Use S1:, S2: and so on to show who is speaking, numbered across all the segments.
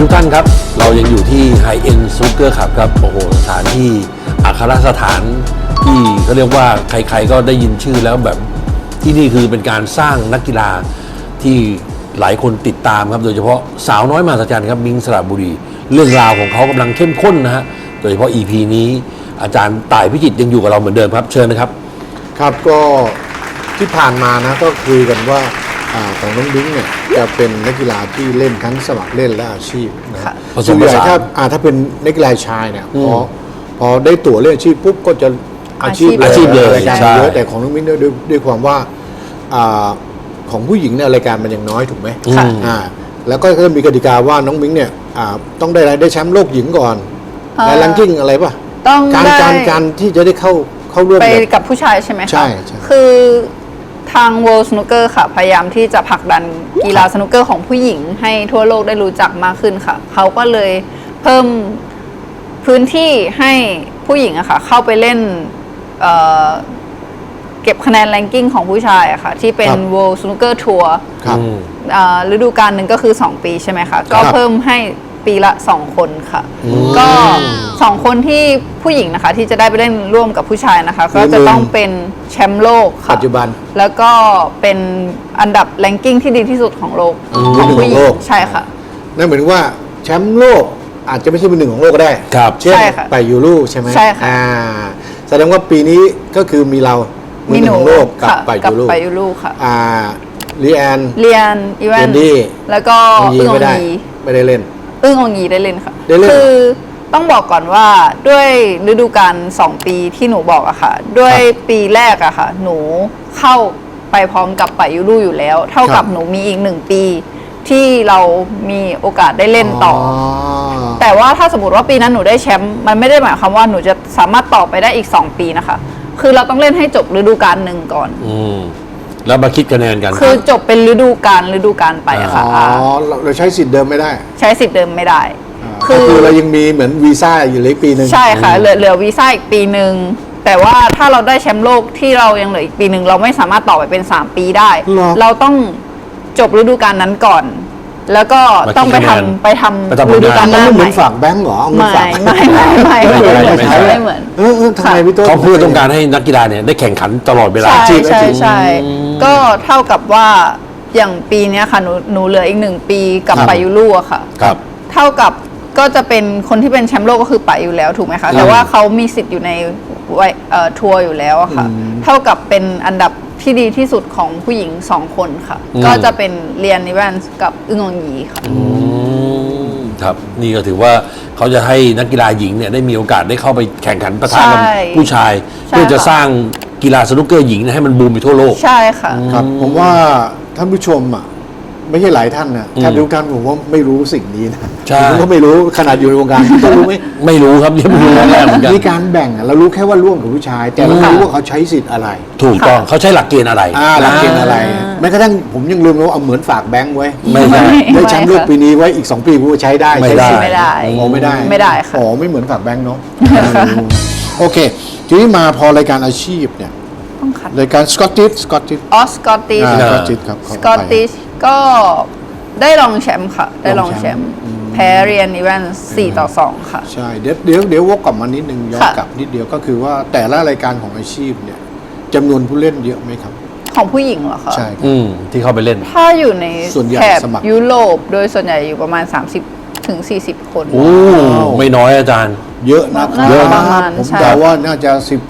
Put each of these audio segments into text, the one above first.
S1: ทุกท่านครับเรายังอยู่ที่ไฮเอ็นซูเกอร์ขับครับโอ้โหสถานที่อัครสถานที่เขาเรียกว่าใครๆก็ได้ยินชื่อแล้วแบบที่นี่คือเป็นการสร้างนักกีฬาที่หลายคนติดตามครับโดยเฉพาะสาวน้อยมหัศจรรย์ครับมิ้งสระบุรีเรื่องราวของเขากำลังเข้มข้นนะฮะโดยเฉพาะ EP นี้อาจารย์ต่ายพิจิตรยังอยู่กับเราเหมือนเดิมครับเชิญนะครับ
S2: ครับก็ที่ผ่านมานะก็คุยกันว่าของน้องบิ้งเนี่ยจะเป็นนักกีฬาที่เล่นทั้งสมัครเล่นและอาชีพนะส่วนใหญ่ถ้าเป็นนักกีฬาชายเนี่ยพอได้ตั๋วเล่นอาชีพปุ๊บก็จะอาชีพเลยรายการเยอะแต่ของน้องบิ้งด้วยความว่าของผู้หญิงเนี่ยรายการมันยังน้อยถูกไหมแล้วก็มีกติกาว่าน้องบิ้งเนี่ยต้องได้แชมป์โลกหญิงก่อนในแรงกิ้งอะไรป่ะ
S3: ต้อง
S2: การที่จะได้เข้าร่วม
S3: ไปกับผู้ชายใช่ไหมคะ
S2: ใช่
S3: คือทาง World Snooker ค่ะพยายามที่จะผลักดันกีฬาสนุกเกอร์ของผู้หญิงให้ทั่วโลกได้รู้จักมากขึ้นค่ะเขาก็เลยเพิ่มพื้นที่ให้ผู้หญิงอะค่ะเข้าไปเล่นเก็บคะแนนแรงกิ้งของผู้ชายอะค่ะที่เป็น World Snooker Tour ฤดูกาลหนึ่งก็คือ2 ปีใช่ไหมคะก็เพิ่มให้ปีละ2 คนค่ะก็2 คนที่ผู้หญิงนะคะที่จะได้ไปเล่นร่วมกับผู้ชายนะคะก็จะต้องเป็นแชมป์โลกค่ะ
S2: ปัจจุบัน
S3: แล้วก็เป็นอันดับแรงกิ้งที่ดีที่สุดของโลกของผู้หญิงใช่ค่ะ
S2: นั่นหมายถึงว่าแชมป์โลกอาจจะไม่ใช่เป็น1ของโลกก็ได้เช่นไปยูโรใช่ไหม
S3: ใช่ค่ะ
S2: แสดงว่าปีนี้ก็คือมีเรา
S3: มีหนู
S2: ของโลกกับไปยูโร
S3: ค่ะ
S2: ลีแอน
S3: อีแวนแล้วก็อึ้งองยี
S2: ไม่ได้เล่น
S3: อึ้งองยีได้เล่นค่ะคือต้องบอกก่อนว่าด้วยฤดูกาล2 ปีที่หนูบอกอะค่ะด้วยปีแรกอะค่ะหนูเข้าไปพร้อมกับไปยูโรอยู่แล้วเท่ากับหนูมีอีก1 ปีที่เรามีโอกาสได้เล่นต่อแต่ว่าถ้าสมมติว่าปีนั้นหนูได้แชมป์มันไม่ได้หมายความว่าหนูจะสามารถต่อไปได้อีก2 ปีนะคะคือเราต้องเล่นให้จบฤดูกาลหนึ่งก่อน
S1: แล้วมาคิดคะแนนกัน
S3: คือจบเป็นฤดูกาลไปอะค่ะ
S2: เราใช้สิทธิ์เดิมไม่ได้
S3: ใช้สิทธิ์เดิมไม่ได้
S2: คือเรายังมีเหมือนวีซ่าอยู่เลยปีนึง
S3: ใช่ค่ะเหลือวีซ่าอีกปีนึงแต่ว่าถ้าเราได้แชมป์โลกที่เรายังเหลืออีกปีนึงเราไม่สามารถต่อไปเป็น3 ปีได้เราต้องจบฤดูกาลนั้นก่อนแล้วก็ต้องไปทำฤดูกาลหน้า
S2: เหมือนฝากแบงก์เหรอ
S3: ไม่เหมือน
S2: ทำไมพี่ต้น
S1: เขาเพื่อต้องการให้นักกีฬาเนี่ยได้แข่งขันตลอดเวลา
S3: ใช่ก็เท่ากับว่าอย่างปีนี้ค่ะหนูเหลืออีก1 ปีกับไปยูโรอะค่ะเท่ากับก็จะเป็นคนที่เป็นแชมป์โลกก็คือไปอยู่แล้วถูกไหมคะแต่ว่าเขามีสิทธิ์อยู่ในทัวร์อยู่แล้วอะค่ะเท่ากับเป็นอันดับที่ดีที่สุดของผู้หญิง2 คนค่ะก็จะเป็นเรียนนิแวนส์กับอึ้งองยีค่ะ
S1: ครับนี่ก็ถือว่าเขาจะให้นักกีฬาหญิงเนี่ยได้มีโอกาสได้เข้าไปแข่งขันประทะกับผู้ชายเพื่อจะสร้างกีฬาสนุกเกอร์หญิงให้มันบูมไปทั่วโลก
S3: ใช่ค่ะ
S2: ครับผมว่าท่านผู้ชมอ่ะไม่ใช่หลายท่านนะท่านทุกท่านผมว่าไม่รู้สิ่งนี้นะผมก็ไม่รู้ขนาดอยู่ในวงการก็รู้ไหม
S1: ไม่รู้ครับยังไม่รู้แรกเหมือนกัน
S2: มีการแบ่งเรารู้แค่ว่าร่วมกับผู้ชายแต่เราไม่รู้ว่าเขาใช้สิทธิ์อะไร
S1: ถูกต้องเขาใช้หลักเกณฑ์อะไร
S2: หลักเกณฑ์อะไรแม้กระทั่งผมยังลืมว่าเอาเหมือนฝากแบงค์ไว้ได้แชมป์โลกปีนี้ไว้อีก2 ปีกูใช้ได้
S3: ไม่ได้
S2: ไม่ได้ค่ะไม่เหมือนฝากแบงค์เนาะโอเคทีนี้มาพอรายการอาชีพเนี่ยรายการสกอตติช
S3: สกอตติชครับสกอตติชก็ได้รองแชมป์ค่ะได้รองแชมป์แพ้เรียนอีแวน4-2ค่ะ
S2: ใช่เดี๋ยววกกลับมานิดนึงย้อนกลับนิดเดียวก็คือว่าแต่ละรายการของอาชีพเนี่ยจำนวนผู้เล่นเยอะไหมครับ
S3: ของผู้หญิงเหรอคะ
S2: ใช่
S1: ที่เข้าไปเล่น
S3: ถ้าอยู่ในแถบยุโรปโดยส่วนใหญ่อยู่ประมาณ30-40 คน
S1: โอ้ไม่น้อยอาจารย์
S2: เยอะนะเยอะนะผมเดาว่าน่าจะ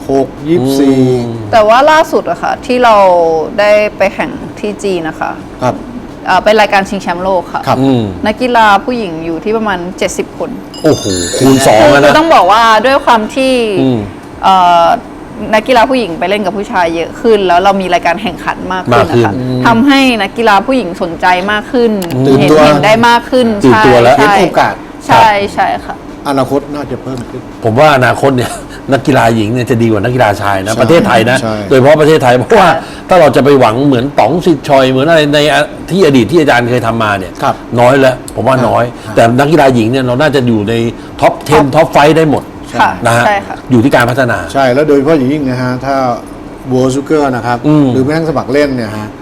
S2: 16-24
S3: แต่ว่าล่าสุดอะค่ะที่เราได้ไปแข่งที่จีนนะคะ
S2: ครับ
S3: เป็นรายการชิงแชมป์โลกค่ะนักกีฬาผู้หญิงอยู่ที่ประมาณ70 คน
S1: โอ้โหคูณ2แล้วนะ
S3: ต้องบอกว่าด้วยความที่นักกีฬาผู้หญิงไปเล่นกับผู้ชายเยอะขึ้นแล้วเรามีรายการแข่งขันมากขึ้นนะคะทำให้นักกีฬาผู้หญิงสนใจมากขึ้นเห็นได้มากขึ้น
S1: ใช่
S2: เห็นโอกาส
S3: ใช่ค่ะ
S2: อนาคตน่าจะเพิ่มขึ้น
S1: ผมว่าอนาคตเนี่ยนักกีฬาหญิงเนี่ยจะดีกว่านักกีฬาชายนะประเทศไทยนะโดยเฉพาะประเทศไทยเพราะว่าถ้าเราจะไปหวังเหมือนต๋องสิทธิ์ชอยเหมือนอะไรในที่อดีตที่อาจารย์เคยทำมาเนี่ยน้อยแล้วผมว่าน้อยแต่นักกีฬาหญิงเนี่ยเราน่าจะอยู่ในท็อป 10 ท็อป 5ได้หมดนะฮะอยู่ที่การพัฒนา
S2: ใช่แล้วโดยเฉพาะอย่างยิ่งนะฮะถ้าบัวซูเกอร์นะครับหรือแม้กระทั่งสมัครเล่นเนี่ยฮะ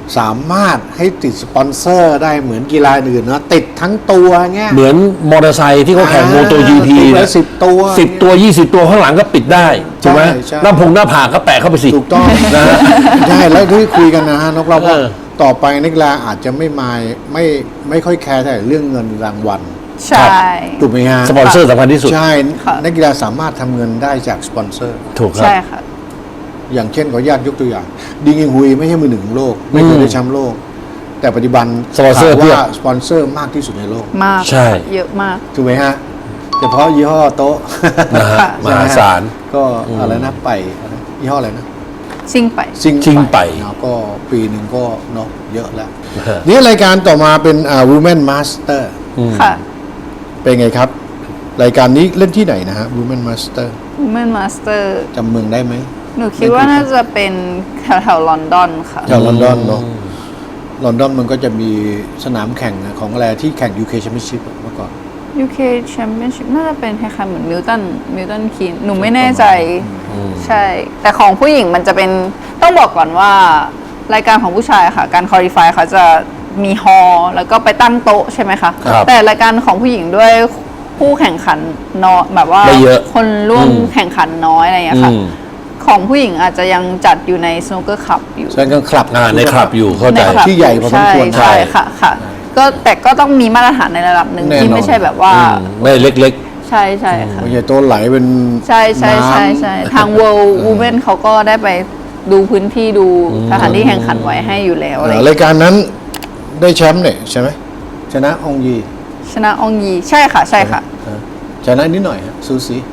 S2: สามารถให้ติดสปอนเซอร์ได้เหมือนกีฬาอื่นเนาะติดทั้งตัวเงี้ย
S1: เหมือนมอเตอร์ไซค์ที่เขาแข่งโมโต GP
S2: ติดไว้
S1: นะ
S2: 10 ตัว
S1: 10 ตัว 20 ตัวข้างหลังก็ปิดได้ถูกไหม
S2: ใช่
S1: หน้าผากก็แปะเข้าไปสิ
S2: ถูกต้อง
S1: นะฮะ
S2: ใช่แล้วที่คุยกันนะฮะนกเราว่า
S1: เออ
S2: ต่อไปนักกีฬาอาจจะไม่ค่อยแคร์แต่เรื่องเงินรางวัล
S3: ใช่
S2: ถูกไหมฮะ
S1: สปอนเซอร์สำคัญที่สุด
S2: ใช่
S3: ค่ะ
S2: นักกีฬาสามารถทำเงินได้จากสปอนเซอร์
S1: ถูกครับ
S3: ใช่ค่ะ
S2: อย่างเช่นขออนุญาตยกตัวอย่างดิงอิงฮุยไม่ใช่มือหนึ่งของโลก ไม่เคยได้แชมป์โลก แต่ปัจจุบัน
S1: สปอนเซอร์
S2: ถาม
S1: เพียบ
S2: ว่าสปอนเซอร์มากที่สุดในโลก
S3: มาก
S1: ใช่
S3: เยอะมาก
S2: ถูกไหมฮะเฉพาะยี่ห้อโต๊ะ
S1: นะฮะ
S3: ค่ะ
S1: มหาศาล
S2: ก็อะไรนะไปอะไรยี่ห้ออะไรนะ
S3: ซิ่งไป
S1: ซิ่งไป
S2: เนาะก็ปีหนึ่งก็เนาะเยอะแล้ว
S1: ฮะ
S2: นี่รายการต่อมาเป็นWomen Master
S3: ค่ะ
S2: เป็นไงครับ รายการนี้เล่นที่ไหนนะฮะ Women Master
S3: Women Master
S2: จำเมืองได้ไหม
S3: หนูคิดว่าน่าจะเป็นแถวๆลอนดอนค่ะ
S2: แถวลอนดอนเนาะลอนดอนมันก็จะมีสนามแข่งของอะไรที่แข่ง UK Championship เมื่อก่อน
S3: UK Championship น่าจะเป็นคล้ายๆเหมือนมิลตันคีนหนูไม่แน่ใจ ใช่ แต่ของผู้หญิงมันจะเป็นต้องบอกก่อนว่ารายการของผู้ชายค่ะ การคอลี่ฟายเขาจะมีฮอลล์แล้วก็ไปตั้งโต๊ะใช่ไหมคะ
S1: ครับ
S3: แต่รายการของผู้หญิงด้วยผู้แข่งขันน้อยแบบว่า
S1: ไม่เยอะ
S3: คนร่วมแข่งขันน้อยอะไรอย่างเงี้ยค่ะ
S1: อืม
S3: ของผู้หญิงอาจจะยังจัดอยู่ใน snooker club อยู่
S2: แสดงกันคลับ
S1: ในคลับอยู่เข้าใจ
S3: ในคลับ
S2: ที่ใหญ่พอสมควร
S3: ใช่ค่ะค่ะ ก็แต่ก็ต้องมีมาตรฐานในระดับหนึ่ง
S2: แน่นอน
S3: ที่ไม่ใช่แบบว่า
S1: ไม่เล็ก
S3: ใช่ใช่ค่ะ
S2: ไม่ใช่โต๊ะไหลเป็น
S3: ใช่ใช่ใช่
S2: น้ำ
S3: ใช่ทาง World Women เขาก็ได้ไปดูพื้นที่ดูสถานที่แข่งขันไว้ให้อยู่แล้วอะไรอย่างเงี้ย
S2: รายการนั้นได้แชมป์เนี่ยใช่ไหมชนะองยี
S3: ชนะองยีใช่ค่ะใช่ค่ะ
S2: ชนะนิดหน่อยฮะซูซี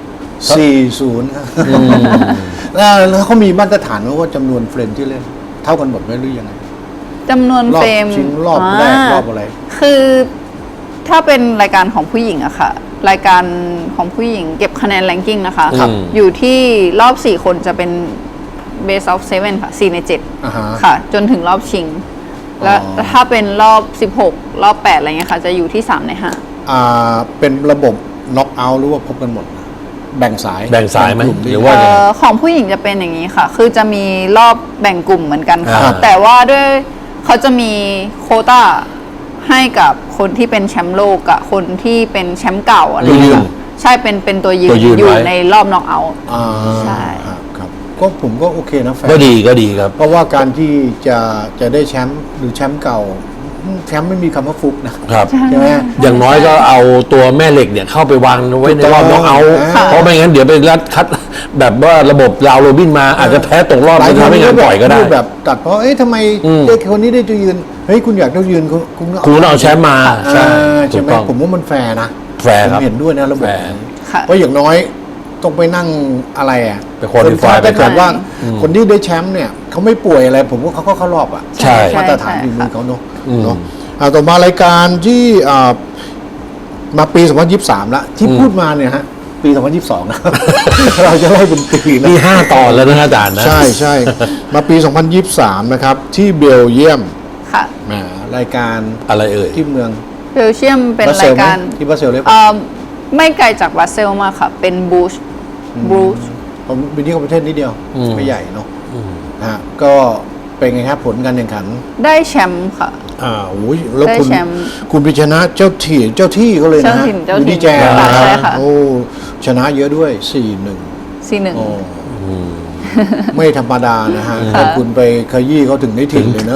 S2: 4-0ครับแล้วเขามีมาตรฐานว่าจำนวนเฟรมที่เล่น เท่ากันหมดไหมหรือยังไง
S3: จำนวน
S2: รอบ
S3: เฟรม
S2: ชิงรอบแรกรอบอะไร
S3: คือถ้าเป็นรายการของผู้หญิงอะค่ะ รายการของผู้หญิงเก็บคะแนนแรงกิ้งนะคะ
S1: ครับ
S3: อยู่ที่รอบ 4 คนจะเป็น best of 7 ค่ะ 4 ใน
S2: อ่าฮะ
S3: 7 ค่ะ จนถึงรอบชิง แล้ว
S2: อ๋อ
S3: ถ้าเป็นรอบ 16 รอบ 8 อะไรเงี้ยค่ะ จะอยู่ที่ 3 ใน
S2: เป็นระบบน็อกเอาท์หรือว่าพบกันหมด แบ่งสาย
S1: แบ่งสายไหม
S2: กลุ่
S1: หรือ
S3: 5
S1: ว่า
S3: ของผู้หญิงจะเป็นอย่างนี้ค่ะ คือจะมีรอบแบ่งกลุ่มเหมือนกันค่ะ
S1: อ่า
S3: แต่ว่าด้วยเขาจะมีโควต้าให้กับคนที่เป็นแชมป์โลกกับคนที่เป็นแชมป์เก่าอะไรอย่างเงี้ยค่ะใช่เป็นตัวยืน
S1: ตัวยืน
S3: อยู่
S1: ไว้
S3: ในรอบน็อกเอาท์ ใช่
S2: ครับก็ผมก็โอเคนะแฟน
S1: ก็ดีครับ
S2: เพราะว่าการที่จะได้แชมป์หรือแชมป์เก่าแชมป์ไม่มีคำว่าฟุกนะครับ ใช่ไหม
S1: อย่างน้อยก็เอาตัวแม่เหล็กเนี่ยเข้าไปวางไว้ในรอบน็อกเอาท์
S2: ค่ะ
S1: เพราะไม่งั้นเดี๋ยวไปรัดคัดแบบว่าระบบราวโรบินมาอาจจะแพ้ตกรอบ
S2: หลาย
S1: จะ
S2: คน
S1: ทำให้งานปล่อยก็ได้
S2: พูแบบตัดเพราะทำไม
S1: อืม
S2: เด็กคนนี้ได้ตัวยืนเฮ้ยคุณอยากได้ยืนคุณ
S1: คุณเอาแชมป์มาใช่
S2: ใช่ไหม
S1: ถูกต้อง
S2: ผมว่ามันแฟร์นะ
S1: แฟร์ครับ
S2: ผมเห็นด้วยนะระบบ
S1: แฟร์
S2: นี้
S3: ค่ะ
S2: เพราะอย่างน้อยต้องไปนั่งอะไรอ่ะ
S1: ไป qualify
S2: ถ้าเกิดว่า
S1: อืม
S2: คนที่ได้แชมป์เนี่ยเขาไม่ป่วยอะไร ผมว่าเขาก็เข้ารอบอ่ะ
S1: ใช่
S2: มาตรฐาน
S3: ใช่
S2: ฝีมือเขาเนาะ
S1: อืม
S2: เนาะต่อมารายการที่มาปี 2023 ละที่พูดมาเนี่ยฮะปี 2022 นะ เราจะไล่เป็นปีนะ
S1: นี่5 ตอนแล้วนะอาจารย์นะ
S2: ใช่ใช่มาปี 2023 นะครับ ที่เบลเยียม
S3: ค่ะ
S2: แหมรายการ
S1: อะไรเอ่ย
S2: ที่เมือง
S3: เบลเชียมเป็น
S2: บาเซ
S3: รา
S2: ล
S3: ย
S2: ไหม
S3: การ
S2: ที่บาเซลเลย
S3: ไม่ไกลจากบรัสเซลมากค่ะ เป็นบูช
S2: ผมเป็นที่ประเทศนิดเดียว
S1: อืม
S2: ไม่ใหญ่เนาะนะฮะก็เป็นไงครับผลการแข่งขัน
S3: ได้แชมป์ค่ะ
S2: โอ้ยแล้ว
S3: ได้
S2: คุณ
S3: แชมป์
S2: คุณไปชนะเจ้าที่เขาเลยนะฮะ
S3: เจ้าถิ่น
S2: อยู่ที่แจน
S3: ค่ะ
S2: นะ
S3: ใช่ค่ะ
S2: โอ้ชนะเยอะด้วย 4-1
S3: 4-1
S2: โอ้ไม่ธรรมดานะฮะถ้าคุณไปขยี้เขาถึงได้ถิ่นเลยนะ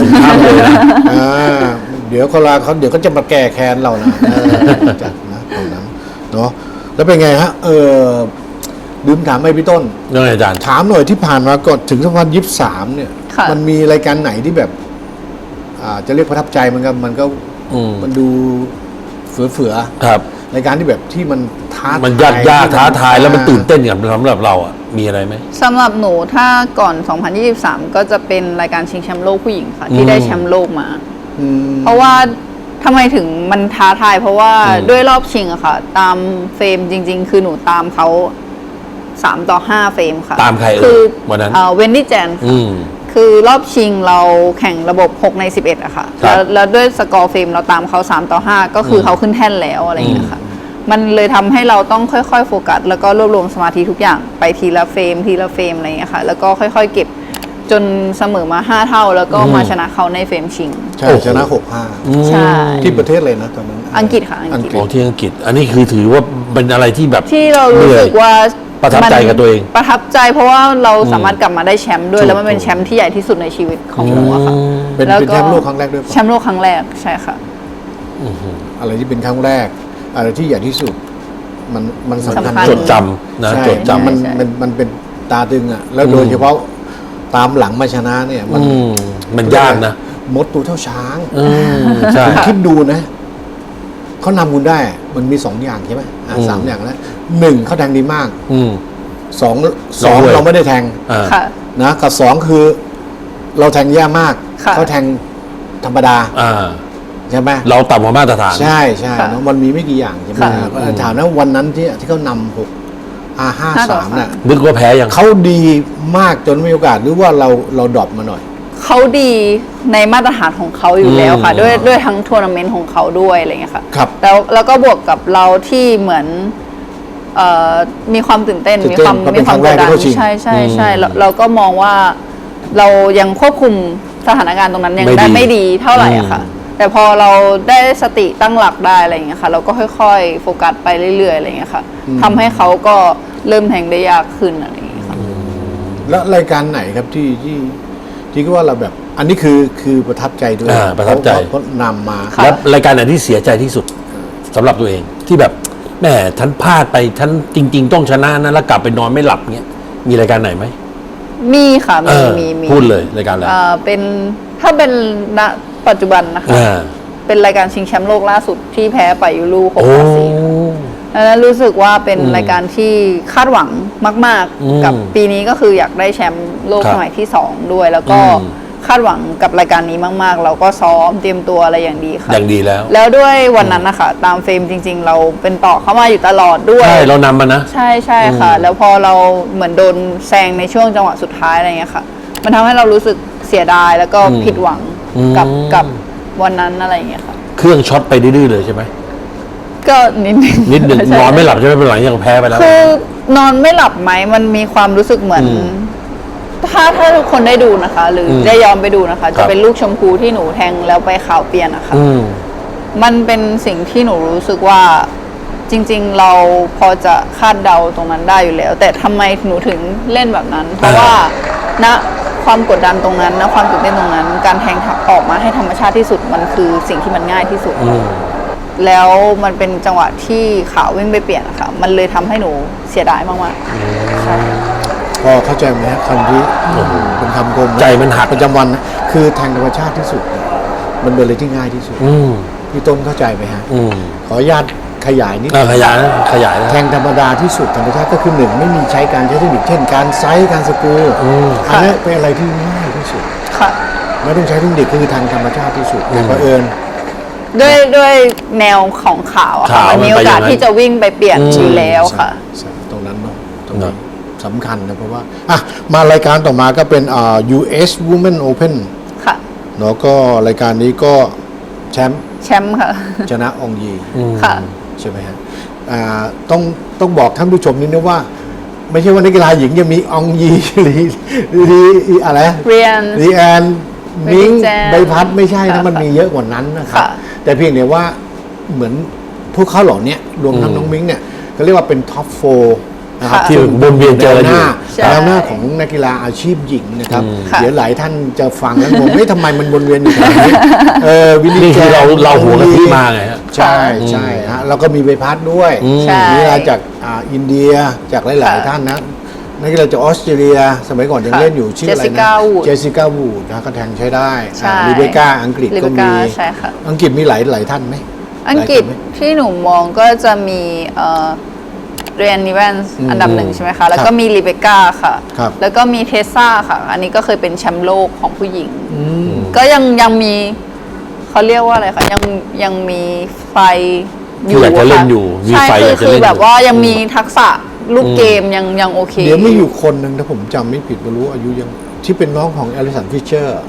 S2: เดี๋ยวเดี๋ยวก็จะมาแก้แค้นเรานะจัดนะตรงนั้นเนาะแล้วเป็นไงฮะลืมถามไปพี่ต้น
S1: เรื่องอาจารย์
S2: ถามหน่อยที่ผ่านมาก่อนถึง2023 เนี่ย
S3: ค่ะ
S2: มันมีรายการไหนที่แบบจะเรียกประทับใจมันก็
S1: อืม
S2: มันดูเฟือ
S1: ครับ
S2: ๆรายการที่แบบที่มันท้า
S1: มัน
S2: ท
S1: ยากท้าทายแล้วมันตื่น
S2: เต้น
S1: เต้นกับสำหรับเราอ่ะมีอะไรไหม
S3: สำหรับหนูถ้าก่อน 2023 ก็จะเป็นรายการชิงแชมป์โลกผู้หญิงค่ะ ที่
S1: อืม
S3: ได้แชมป์โลกมา เพราะว่าทำไมถึงมันท้าทาย เพราะว่าด้วยรอบชิงอะค่ะ ตามเฟรมจริง ๆ คือหนูตามเขา3-5 เฟรมค่ะ
S1: ตามใครเอ่ย
S3: คือ
S1: วันนั้น
S3: เวนดี้แจน
S1: อืม
S3: คือรอบชิงเราแข่งระบบ6 ใน 11อะค่ะ
S1: ครับ
S3: แล้วด้วยสกอร์เฟรมเราตามเขา3-5 ก็คือเขาขึ้นแท่นแล้วอะไรอย่างเงี้ยค่ะ มันเลยทำให้เราต้องค่อยๆโฟกัสแล้วก็รวบรวมสมาธิทุกอย่างไปทีละเฟรมทีละเฟรมอะไรอย่างเงี้ยค่ะ แล้วก็ค่อยๆเก็บจนเสมอมา 5 เท่า แล้วก็มาชนะเขาในเฟรมชิง
S2: ใช่ชนะ
S3: ใช่
S2: 6-5 ที่ประเทศเลยนะตอนนั้น
S3: อังกฤษค่ะอังกฤษ
S1: ของที่อังกฤษ อันนี้คือถือว่าเป็นอะไรที่แบบ
S3: ที่เรารู้สึกว่า
S1: ประทับใจกับตัวเอง
S3: ประทับใจเพราะว่าเราสามารถกลับมาได้แชมป์ด้วย แล้วมันเป็นแชมป์ที่ใหญ่ที่สุดในชีวิตของหนูอะค่ะ
S2: เป็น
S3: แล้ว
S2: แชมป์โลกครั้งแรกด้วย
S3: แชมป์โลกครั้งแรกใช่ค่ะ
S2: อะไรที่เป็นครั้งแรก อะไรที่ใหญ่ที่สุด มันสำคัญ
S3: สำคัญ
S1: จดจำนะ
S2: ใช่
S1: จดจำ
S2: มันเป็นตาตึงอ่ะ แล้วโดยเฉพาะตามหลังมาชนะเนี่ย
S1: มันยากนะ
S2: มดตัวเท่าช้าง
S1: ใช่
S2: คุณคิดดูนะเขานำคุณได้ มันมี2 อย่างใช่ไหมสามอย่างแล้ว1เขาแทงดีมาก สอง
S1: ด้วย
S2: เราไม่ได้แทง
S3: ค่ะ
S2: นะกับ2คือ เราแทงแย่มาก
S3: ค่ะ
S2: เขาแทงธรรมดา
S1: อ่า
S2: ใช่ไหม
S1: เราต่ำกว่ามาตรฐาน
S2: ใช่ใช่
S3: ค่ะ
S2: เนอะมันมีไม่กี่อย่างใช่ไหม
S3: ค่ะ
S2: ถามนะวันนั้นที่เขานำ6-5-3น่ะ
S1: นึกว่าแพ้ยัง
S2: เขาดีมากจนไม่มีโอกาสหรือว่าเราดรอปมาหน่อย
S3: เขาดีในมาตรฐานของเขาอยู่แล้วค่ะ
S1: อืม
S3: ด้วยทั้งทัวร์นาเมนต์ของเขาด้วยอะไรเงี้ยค่ะ
S2: ครับ
S3: แล้วก็บวกกับเราที่เหมือนมีความตื่นเต้น
S2: ตื่
S3: มี
S2: นเต้น
S3: ความ
S2: เพราะเป็
S3: มี
S2: น
S3: ความ
S2: ครั้
S3: ก
S2: ง
S3: ด
S2: แรก
S3: ดัน
S2: ที่เข้าชิง
S3: ใช่เราก็มองว่าเรายังควบคุมสถานการณ์ตรงนั้นยัง
S1: ไม่
S3: ได้
S1: ดี
S3: ไม่ดีเท่าไหร่อะค่ะ แต่พอเราได้สติตั้งหลักได้อะไรเงี้ยค่ะ เราก็ค่อยๆโฟกัสไปเรื่อยๆอะไรเงี้ยค่ะทำให้เขาก็เริ่มแทงได้ยากขึ้นอะไรเงี้ยค่ะ
S2: แล้วรายการไหนครับที่ก็ว่าเราแบบ อันนี้คือประทับใจด้วย
S1: ประทับใจ
S2: เพราะนำมา
S3: ค่ะ
S1: แล้วรายการไหนที่เสียใจที่สุดสำหรับตัวเองที่แบบแหมฉันพลาดไปฉันจริง ๆ ต้องชนะนะแล้วกลับไปนอนไม่หลับเงี้ยมีรายการไหนไหม
S3: มีค่ะ
S1: เออ
S3: มี
S1: พูดเลยรายการอะไร
S3: เป็นถ้าเป็นณปัจจุบันนะคะ
S1: อ่า
S3: เป็นรายการชิงแชมป์โลกล่าสุดที่แพ้ไปยูรู6
S1: โอ้
S3: 4ดังนั้นรู้สึกว่าเป็นรายการที่คาดหวังมาก
S1: อืม
S3: ๆ กับปีนี้ก็คืออยากได้แชมป์โลก
S1: ครับ
S3: สมัยที่ 2 ด้วย แล้วก็
S1: อืม
S3: คาดหวังกับรายการนี้มาก ๆ เราก็ซ้อมเตรียมตัวอะไรอย่างดีค่ะ
S1: อย่างดีแล้ว
S3: แล้วด้วยวันนั้นนะคะตามเฟรมจริง ๆ เราเป็นต่อเข้ามาอยู่ตลอดด้วย
S1: ใช่เรานำมานะ
S3: ใช่ค่ะ แล้วพอเราเหมือนโดนแซงในช่วงจังหวะสุดท้ายอะไรเงี้ยค่ะ มันทำให้เรารู้สึกเสียดายแล้วก็ผิดหวังกับวันนั้นอะไรเงี้ยค่ะ
S1: เครื่องช็อตไปดื้อๆเลยใช่ไหม
S3: ก็นิดนึง
S1: นิดหนึ่ง
S3: ใช่
S1: นอนไม่หลับใช่ไหมเป็นหลังยังแพ้ไปแล้ว
S3: คือนอนไม่หลับไหมมันมีความรู้สึกเหมือน ถ้าทุกคนได้ดูนะคะ หรืออได้ย้อนไปดูนะคะ
S1: ครั
S3: จะ
S1: บ
S3: เป็นลูกชมพูที่หนูแทงแล้วไปขาวเปลี่ยนนะคะ
S1: อืม
S3: มันเป็นสิ่งที่หนูรู้สึกว่าจริง ๆ เราพอจะคาดเดาตรงนั้นได้อยู่แล้ว แต่ทำไมหนูถึงเล่นแบบนั้น เพราะว่าณความกดดันตรงนั้นณความตื่นเต้นตรงนั้น การแทงออกมาให้ธรรมชาติที่สุดมันคือสิ่งที่มันง่ายที่สุด แล้วมันเป็นจังหวะที่ขาววิ่งไปเปลี่ยนอะค่ะมันเลยทำให้หนูเสียดายมากๆใช่
S2: พอเข้าใจไหมฮะคำที่เป็นคำคมะ
S1: ใจมันหัก
S2: ประจำวันนะคือแทงธรรมชาติที่สุดเนี่ยมันเป็นอะไรที่ง่ายที่สุด
S1: อืม
S2: พี่ต้นเข้าใจไหมฮะ
S1: อืม
S2: ขออนุญาตขยายนิด
S1: ขยายนะขยายนะ
S2: แทงธรรมดาที่สุดธรรมชาติก็คือหนึ่งไม่มีใช้การใช้เทคนิคเช่นการไซส์การสกรูอันนี้เป็นอะไรที่ง่ายที่สุด
S3: ค่ะ
S2: ไม่ต้องใช้เทคนิคคือทางธรรมชาติที่สุดแต่เผอิญ
S3: ด้วยแนวของขาวอะค่ะ
S1: ขาว
S3: มันมีโอกาสที่จะวิ่งไปเปลี่ยนอยู่แล้วค่ะ
S2: ใช่ตรงนั้นเนาะตรงนี้สำคัญนะเพราะว่าอ่ะมารายการต่อมาก็เป็นUS Women Open
S3: ค่ะ
S2: เนาะก็รายการนี้ก็แชมป์
S3: แชมป์ค่ะ
S2: ชนะอองยี
S3: ค่ะ
S2: ใช่ไหมฮะต้องบอกท่านผู้ชมนิดนึงว่า ไม่ใช่ว่านักกีฬาหญิงจะมีอองยีหรืออะไร
S3: เรียน
S2: รีแอนมิ้ง
S3: แจม
S2: ใบพัดไม่ใช่นะ
S3: ค่ะ
S2: มันมีเยอะกว่านั้นนะครับ
S3: ค่ะ
S2: แต่เพียงแต่ว่าเหมือนพวกเขาเหล่านี้รวมทั้งน้องมิ้งเนี่ยเขาเรียกว่าเป็นท็อปโฟนะครับ
S3: ค่ะ
S1: ที่วนเวียนเจอกันอยู่
S3: ใช่
S2: แนวหน้าของนักกีฬาอาชีพหญิงนะครับ
S3: ค่ะ
S2: เดี๋ยวหลายท่านจะฟังแล้วงงไม่ทำไมมันวนเวียนอยู่ตรงนี้วิลลี่
S1: นี่คือ
S2: แจม
S1: เราหัวกะทิมาไงฮะ
S2: ใช่ใช่ฮะแล้วก็มีใบพัดด้วย
S3: ใช่
S2: นี่มาจากอินเดียจากหลาย ๆ ท่านนะนักกีฬาจากออสเตรเลีย สมัยก่อนยัง
S3: ค่ะ
S2: เล่นอยู่ชื่ออะไรนะ
S3: Jessica Wood
S2: เจสสิก้าวูดนะก็แทงใช้ได้
S3: ใช่
S2: ลิเบก้าอังกฤษ
S3: ลิ
S2: ก็
S3: เบ
S2: มี
S3: ก้าใช่ค่ะ
S2: อังกฤษมีหลายท่านไหม
S3: อังกฤษ
S2: หลายคนไหม
S3: ที่หนูมองก็จะมีเรียนนิเวนส์อันดับหนึ่งใช่ไหมคะ แล้วก็มีลิเบก้าค่ะ
S2: ครับ
S3: แล้วก็มีเทสซาค่ะ อันนี้ก็เคยเป็นแชมป์โลกของผู้หญิง ก็ยังมีเขาเรียกว่าอะไรคะยังมีไฟอยู่
S1: อยากจะเล่น
S3: ค่ะ
S1: อยู่มี
S3: ใช่
S1: ไฟ
S3: คือ
S1: อยากจะ
S3: คื
S1: เล่
S3: อน
S1: อยู่
S3: แบบว่ายังมีทักษะลูกเกมยังโอเค
S2: เดี๋ยวมีอยู่คนหนึ่งถ้าผมจำไม่ผิดไม่รู้อายุยังที่เป็นน้องของแอลิสันฟิชเชอร์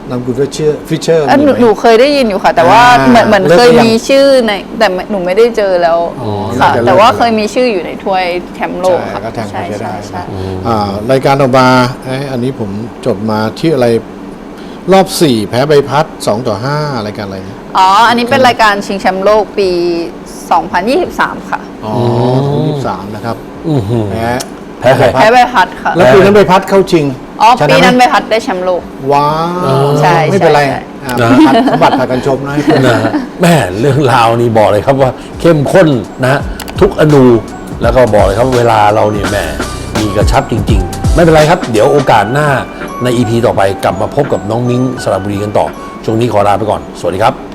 S2: นามกุลฟิชเชอร์
S3: หนูเคยได้ยินอยู่ค่ะ แต่ว่า
S2: อ่า
S3: เหมือน
S2: เลิก
S3: เคย
S2: หรือยัง
S3: มีชื่อในแต่หนูไม่ได้เจอแล้ว
S2: อ๋อ
S3: ค่ะ
S2: น่าจะเลิก
S3: แต่ว่า
S2: แล้ว
S3: เคยมีชื่ออยู่ในถ้วยแชมป์โลกค่ะ
S2: ก็แทงไปใช้ได้
S3: ใช่
S2: รายการต่อมาอันนี้ผมจดมาที่อะไรรอบ 4 แพ้ใบพัด2-5รายการอะไรเนี่ย
S3: อ๋อ อันนี้เป็นรายการชิงแชมป์โลกปี 2023 ค่ะ
S2: อ๋อ23นะครับ
S1: อื้อหือ
S2: แพ้
S1: แพ้ใคร
S3: แพ้ใบพัดค่ะ
S2: แล้วปีนั้นใบพัดเข้าชิง
S3: อ๋อ
S2: ชะ
S3: ปีนั้น
S2: ไห
S3: ใบ
S2: ม
S3: พัดได้แชมป์โลก
S2: ว้าว
S3: ใช่
S2: ไม่เป็นไร
S3: ใช่
S1: นะ
S2: สมบัติพากันชมนะให้เพื่อน
S1: นะฮะแม่เรื่องราวนี้บอกเลยครับว่าเข้มข้นนะฮะทุกอนูแล้วก็บอกเลยครับเวลาเราเนี่ยแหม่มีกระชับจริง ๆ ไม่เป็นไรครับ เดี๋ยวโอกาสหน้าใน EP ต่อไปกลับมาพบกับน้องมิ้งสระบุรีกันต่อ ช่วงนี้ขอลาไปก่อน สวัสดีครับ